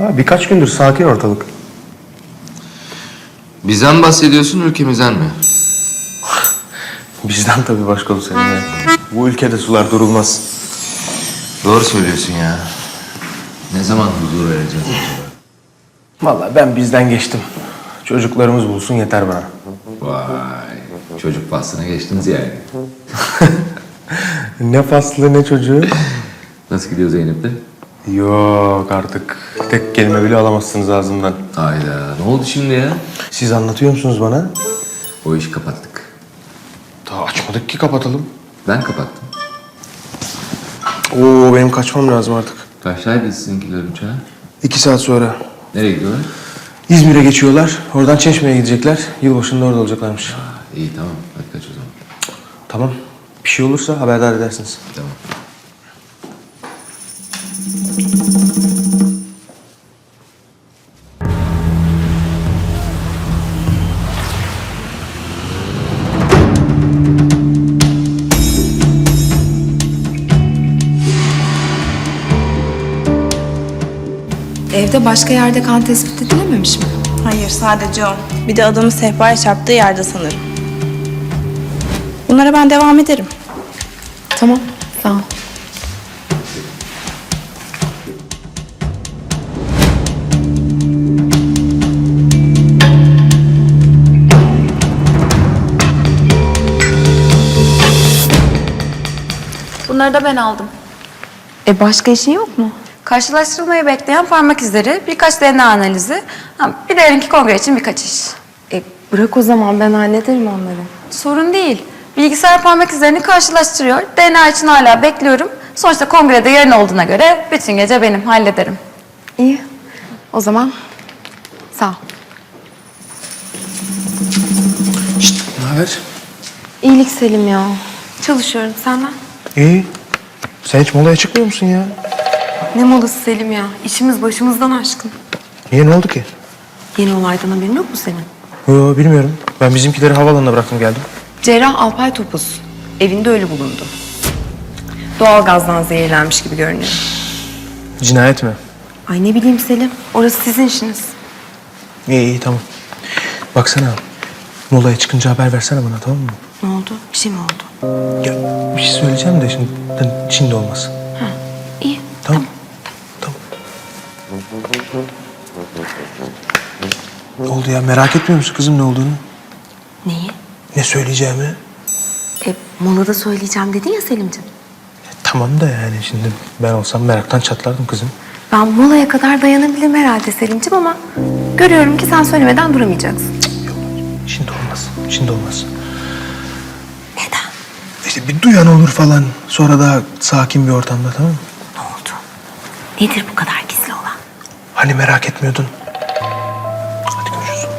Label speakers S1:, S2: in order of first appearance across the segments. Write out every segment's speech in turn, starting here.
S1: Ha, birkaç gündür sakin ortalık.
S2: Bizden bahsediyorsun, ülkemizden mi?
S1: Bizden tabii başkomiserim ya. Bu ülkede sular durulmaz.
S2: Doğru söylüyorsun ya. Ne zaman huzur vereceğiz acaba?
S1: Vallahi ben bizden geçtim. Çocuklarımız bulsun yeter bana.
S2: Vay, çocuk faslını geçtiniz yani.
S1: Ne faslı ne çocuğu.
S2: Nasıl gidiyor Zeynep'te?
S1: Yok artık. Tek kelime bile alamazsınız ağzımdan.
S2: Hayda, ne oldu şimdi ya?
S1: Siz anlatıyor musunuz bana?
S2: O işi kapattık.
S1: Daha açmadık ki kapatalım.
S2: Ben kapattım.
S1: Oo benim kaçmam lazım artık.
S2: Kaçtaydı sizinkiler uçağa?
S1: 2 saat sonra.
S2: Nereye gidiyorlar?
S1: İzmir'e geçiyorlar. Oradan Çeşme'ye gidecekler. Yılbaşında orada olacaklarmış.
S2: İyi tamam, hadi kaç o zaman.
S1: Tamam. Bir şey olursa haberdar edersiniz.
S2: Tamam.
S3: Evde başka yerde kan tespit edilememiş mi?
S4: Hayır, sadece o. Bir de adamın sehpaya çarptığı yerde sanırım. Bunlara ben devam ederim.
S3: Tamam, sağ ol.
S5: Bunları da ben aldım.
S3: Başka işin yok mu?
S5: Karşılaştırılmayı bekleyen parmak izleri, birkaç DNA analizi, bir de yarınki kongre için birkaç iş.
S3: Bırak o zaman, ben hallederim onları.
S5: Sorun değil. Bilgisayar parmak izlerini karşılaştırıyor. DNA için hala bekliyorum. Sonuçta kongrede yarın olduğuna göre bütün gece benim, hallederim.
S3: İyi, o zaman sağ ol.
S1: Ne haber?
S3: İyilik Selim ya. Çalışıyorum, senden.
S1: İyi. Sen hiç molaya çıkmıyor musun ya?
S3: Ne molası Selim ya? İşimiz başımızdan aşkın.
S1: Niye, ne oldu ki?
S3: Yeni olaydan haberin yok mu senin?
S1: Yo bilmiyorum. Ben bizimkileri havaalanına bıraktım geldim.
S3: Cerrah Alpay Topuz. Evinde ölü bulundu. Doğalgazdan zehirlenmiş gibi görünüyor.
S1: Cinayet mi?
S3: Ay ne bileyim Selim. Orası sizin işiniz.
S1: İyi tamam. Baksana. Molaya çıkınca haber versene bana, tamam mı?
S3: Ne oldu? Bir şey mi oldu?
S1: Ya bir şey söyleyeceğim de şimdi olmaz.
S3: İyi.
S1: Tamam. Tamam. Ne oldu ya, merak etmiyor musun kızım ne olduğunu?
S3: Neyi?
S1: Ne söyleyeceğimi?
S3: Molada söyleyeceğim dedin ya Selimciğim.
S1: Tamam da yani şimdi ben olsam meraktan çatlardım kızım.
S3: Ben molaya kadar dayanabilirim herhalde Selimciğim ama görüyorum ki sen söylemeden duramayacaksın.
S1: Yok, şimdi olmaz. Şimdi olmaz.
S3: Neden?
S1: İşte bir duyan olur falan. Sonra daha sakin bir ortamda, tamam mı?
S3: Ne oldu? Nedir bu kadar gizli olan?
S1: Hani merak etmiyordun? Hadi görüşürüz.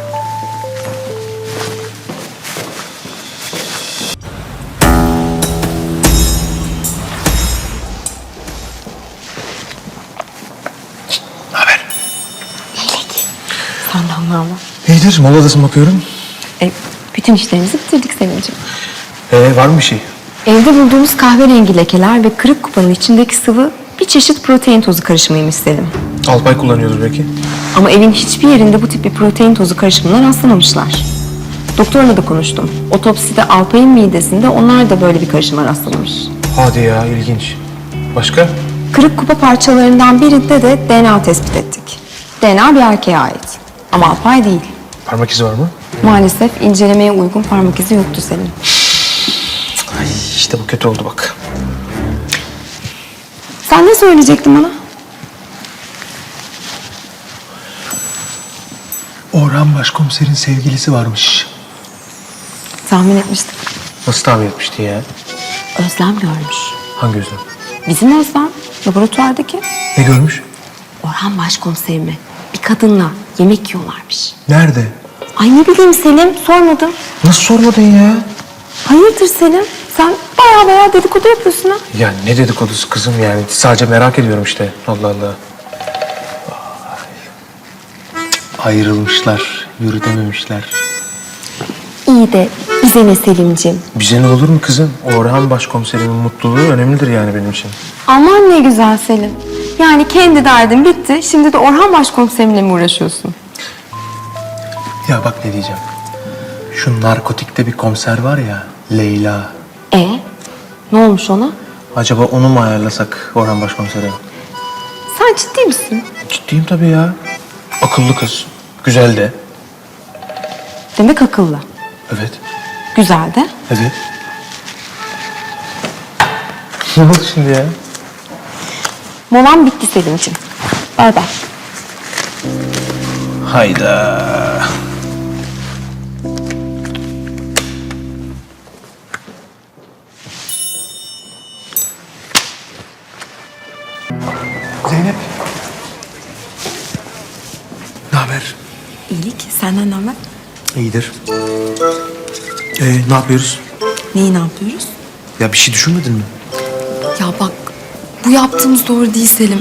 S1: Ne haber?
S3: Senden ne haber?
S1: İyidir, moladasın bakıyorum.
S3: Bütün işlerimizi bitirdik Selimciğim.
S1: Var mı bir şey?
S3: Evde bulduğumuz kahverengi lekeler ve kırık kupanın içindeki sıvı bir çeşit protein tozu karışımıymış Selim.
S1: Alpay kullanıyordur belki.
S3: Ama evin hiçbir yerinde bu tip bir protein tozu karışımına rastlamamışlar. Doktorla da konuştum. Otopside Alpay'ın midesinde onlar da böyle bir karışıma rastlamış.
S1: Hadi ya, ilginç. Başka?
S3: Kırık kupa parçalarından birinde de DNA tespit ettik. DNA bir erkeğe ait. Ama Alpay değil.
S1: Parmak izi var mı?
S3: Maalesef incelemeye uygun parmak izi yoktu Selim.
S1: Ay işte bu kötü oldu bak.
S3: Sen ne söyleyecektin bana?
S1: Orhan Başkomiser'in sevgilisi varmış.
S3: Tahmin etmiştim.
S1: Nasıl tahmin etmiştin ya?
S3: Özlem görmüş.
S1: Hangi özlem?
S3: Bizim Özlem, laboratuvardaki.
S1: Ne görmüş?
S3: Orhan başkomiserime bir kadınla yemek yiyorlarmış.
S1: Nerede?
S3: Ay ne bileyim Selim, sormadım.
S1: Nasıl sormadın ya?
S3: Hayırdır Selim? Sen baya dedikodu yapıyorsun ha.
S1: Ya ne dedikodusu kızım yani. Sadece merak ediyorum işte. Allah Allah. Vay. Ayrılmışlar, yürütememişler.
S3: İyi de bize ne Selimciğim?
S1: Bize ne olur mu kızım? Orhan Başkomiserimin mutluluğu önemlidir yani benim için.
S3: Aman ne güzel Selim. Yani kendi derdin bitti. Şimdi de Orhan Başkomiserimle mi uğraşıyorsun?
S1: Ya bak ne diyeceğim. Şu narkotikte bir komiser var ya, Leyla.
S3: Ne olmuş ona?
S1: Acaba onu mu ayarlasak Orhan Başkomiser'e?
S3: Sen ciddi misin?
S1: Ciddiyim tabii ya. Akıllı kız. Güzel de.
S3: Demek akıllı.
S1: Evet.
S3: Güzel de.
S1: Evet. Ne oldu şimdi ya?
S3: Molan bitti Selim'ciğim. Bay bay.
S1: Hayda. Zeynep. Ne haber?
S3: İyilik. Senden ne haber?
S1: İyidir. Ne yapıyoruz?
S6: Neyi ne yapıyoruz?
S1: Ya bir şey düşünmedin mi?
S6: Ya bak bu yaptığımız doğru değil Selim.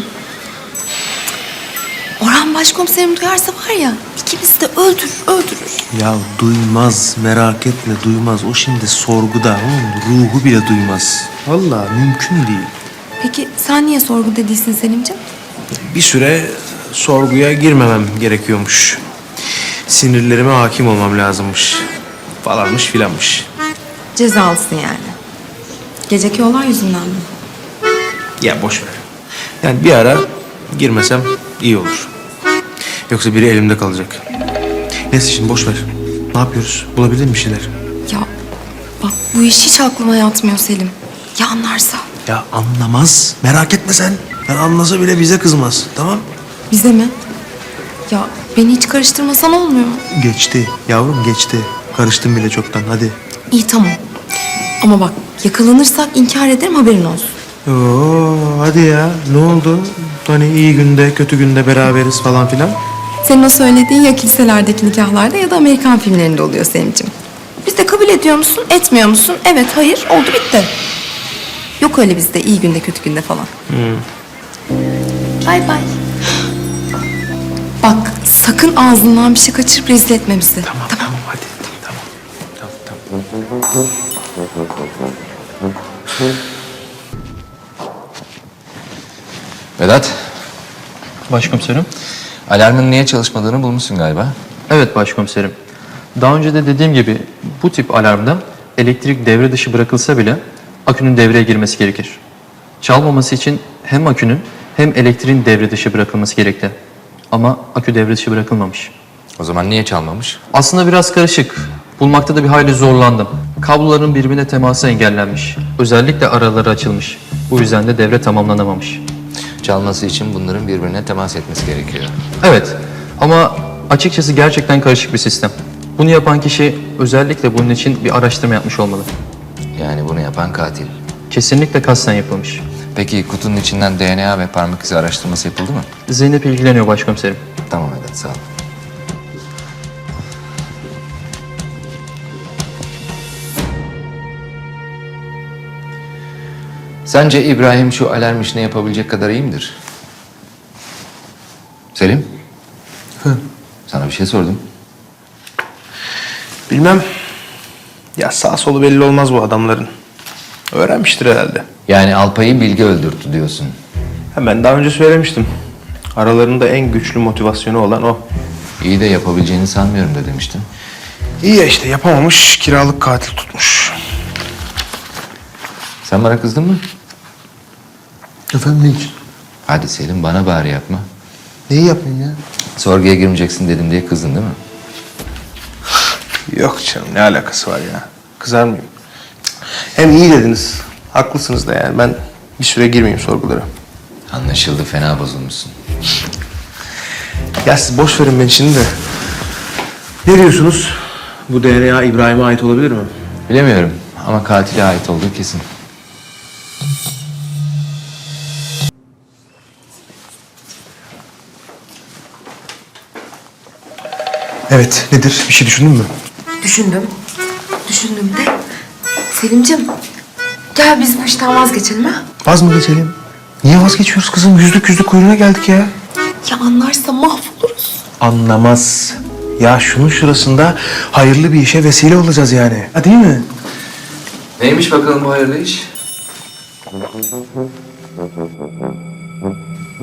S6: Orhan başkomiserim duyarsa var ya ikimizi de öldürür.
S1: Ya duymaz, merak etme duymaz. O şimdi sorguda. Onun ruhu bile duymaz. Vallahi mümkün değil.
S6: Peki sen niye sorguda değilsin Selimciğim?
S1: Bir süre sorguya girmemem gerekiyormuş. Sinirlerime hakim olmam lazımmış. Falanmış filanmış.
S6: Cezalısın yani. Geceki olay yüzünden mi?
S1: Ya boş ver. Yani bir ara girmesem iyi olur. Yoksa biri elimde kalacak. Neyse şimdi boş ver. Ne yapıyoruz? Bulabildin mi bir şeyler?
S6: Ya bak bu iş hiç aklıma yatmıyor Selim. Ya anlarsa?
S1: Ya anlamaz. Merak etme sen. Yani anlasa bile bize kızmaz. Tamam?
S6: Bize mi? Ya beni hiç karıştırmasan olmuyor mu?
S1: Geçti. Yavrum geçti. Karıştım bile çoktan. Hadi.
S6: İyi tamam. Ama bak yakalanırsak inkar ederim haberin olsun.
S1: Oo, hadi ya. Ne oldu? Hani iyi günde, kötü günde beraberiz falan filan.
S6: Senin o söylediğin ya kiliselerdeki nikahlarda ya da Amerikan filmlerinde oluyor Selim'ciğim. Biz de kabul ediyor musun, etmiyor musun? Evet, hayır, oldu bitti. Yok öyle bizde iyi günde, kötü günde falan. Bay bay. Bak sakın ağzından bir şey kaçırıp rezil etme bizi.
S1: Tamam hadi. Tamam.
S2: Vedat,
S7: Başkomiserim.
S2: alarmın niye çalışmadığını bulmuşsun galiba.
S7: Evet başkomiserim. Daha önce de dediğim gibi bu tip alarmda elektrik devre dışı bırakılsa bile akünün devreye girmesi gerekir. Çalmaması için hem akünün hem elektriğin devre dışı bırakılması gerekli. Ama akü devre dışı bırakılmamış.
S2: O zaman niye çalmamış?
S7: Aslında biraz karışık. Bulmakta da bir hayli zorlandım. Kabloların birbirine teması engellenmiş. Özellikle araları açılmış. Bu yüzden de devre tamamlanamamış.
S2: Çalması için bunların birbirine temas etmesi gerekiyor.
S7: Evet ama açıkçası gerçekten karışık bir sistem. Bunu yapan kişi özellikle bunun için bir araştırma yapmış olmalı.
S2: Yani bunu yapan katil.
S7: Kesinlikle kasten yapılmış.
S2: Peki kutunun içinden DNA ve parmak izi araştırması yapıldı mı?
S7: Zeynep ilgileniyor başkomiserim.
S2: Tamam Vedat, sağ ol. Sence İbrahim şu alarm işini yapabilecek kadar iyi midir? Selim? Sana bir şey sordum.
S1: Bilmem. Ya sağ solu belli olmaz bu adamların. Öğrenmiştir herhalde.
S2: Yani Alpay'ı Bilge öldürttü diyorsun.
S1: Ha, ben daha önce söylemiştim. Aralarında en güçlü motivasyonu olan o.
S2: İyi de yapabileceğini sanmıyorum da demiştin.
S1: İyi ya işte yapamamış, kiralık katil tutmuş.
S2: Sen bana kızdın mı?
S1: Efendim ne için?
S2: Hadi Selim, bana bari yapma.
S1: Neyi yapayım ya?
S2: Sorguya girmeyeceksin dedim diye kızdın değil mi?
S1: Yok canım ne alakası var ya? Kızar mıyım? Hem iyi dediniz. Haklısınız da yani ben bir süre girmeyeyim sorgulara.
S2: Anlaşıldı, fena bozulmuşsun.
S1: Ya siz boş verin beni şimdi de. Ne diyorsunuz? Bu DNA İbrahim'e ait olabilir mi?
S2: Bilemiyorum ama katile ait olduğu kesin.
S1: Evet nedir? Bir şey düşündün mü?
S6: Düşündüm de. Selim'ciğim gel biz bu işten vazgeçelim ha.
S1: Vaz mı geçelim? Niye vazgeçiyoruz kızım? Yüzlük kuyruğuna geldik ya.
S6: Ya anlarsa mahvoluruz.
S1: Anlamaz. Ya şunun şurasında hayırlı bir işe vesile olacağız yani. Ha değil mi?
S2: Neymiş bakalım bu hayırlı iş?